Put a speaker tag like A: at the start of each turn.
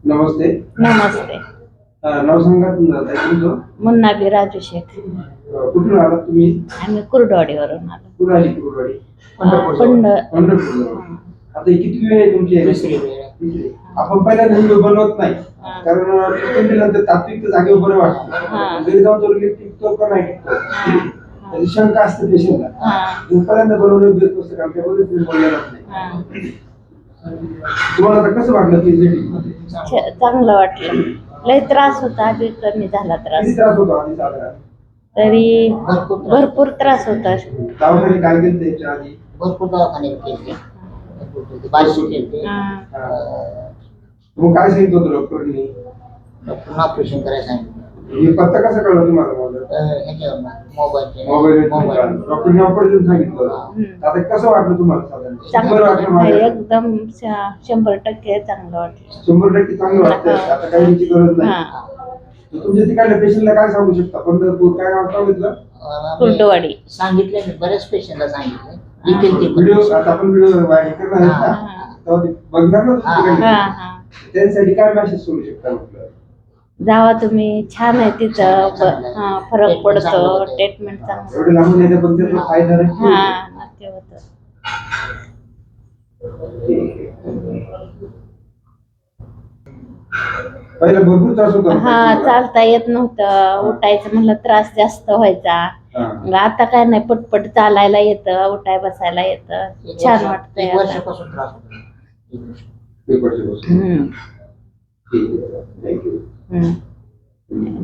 A: नमस्ते.
B: नमस्ते.
A: नाव सांगा तुमचं.
B: मुन्ना बी राजू शेख.
A: कुठून आलात तुम्ही?
B: आम्ही कुर्डवाडीवरून आलो.
A: कुठून आली कुर्डवाडी?
B: पंढरपूर.
A: आता ही किती वेळ आहे तुमची? तिसरी वेळ. आपण पहिल्यांदा व्हिडिओ बनवत नाही कारण नंतर तात्विक जागेवर बरं वाटतं. घरी जाऊन तो टिकतो का नाही टिकतो त्याची शंका असते पेशंटला. पहिल्यांदा बनवलं देत नसतं कारण त्यामध्ये तुम्ही बोललेला नाही. तुम्हाला आता कसं वाटलं की
B: चांगलं वाटलं. लय त्रास होता, आधी कमी झाला त्रास.
A: किती त्रास होता आधी साधारण?
B: तरी भरपूर त्रास होता.
A: दवाखाने काय केलं त्याच्या आधी?
C: भरपूर दवाखाने केले, बारशे केले.
A: मग काय सांगितलं होतं डॉक्टरनी?
C: डॉक्टरने ऑपरेशन करायला सांगितलं.
A: हे पत्ता कसा कळला तुम्हाला? मोबाईल डॉक्टरने ऑपरेशन सांगितलं. आता कसं वाटलं तुम्हाला साधारण?
B: एकदम 100% चांगलं वाटलं.
A: 100% चांगलं वाटतं. आता काही गरज नाही. तुमच्या तिकडल्या पेशंटला काय सांगू शकता? पंढरपूर काय नाव सांगितलं?
B: कुर्डवाडी.
C: सांगितलं मी बऱ्याच पेशंटला सांगितलं.
A: व्हिडिओ आता आपण व्हिडिओ व्हायरल करणार आहेत ना, तेव्हा ते बघणार ना त्यांच्यासाठी काय मेसेज सोडू शकता? म्हटलं
B: जावा तुम्ही, छान आहे तिथं. फरक पडतो. ट्रीटमेंट चांगलं.
A: एवढे लांबून येते पण त्याचा फायदा
B: नक्की होतं.
A: पहिला भरपूर त्रास होता.
B: चालता येत नव्हतं. उठायचं म्हणलं त्रास जास्त व्हायचा. आता काय नाही, पटपट चालायला येतं, उठाय बसायला येतं. छान वाटतंय.
C: वर्षापासून त्रास होता.
A: थँक्यू.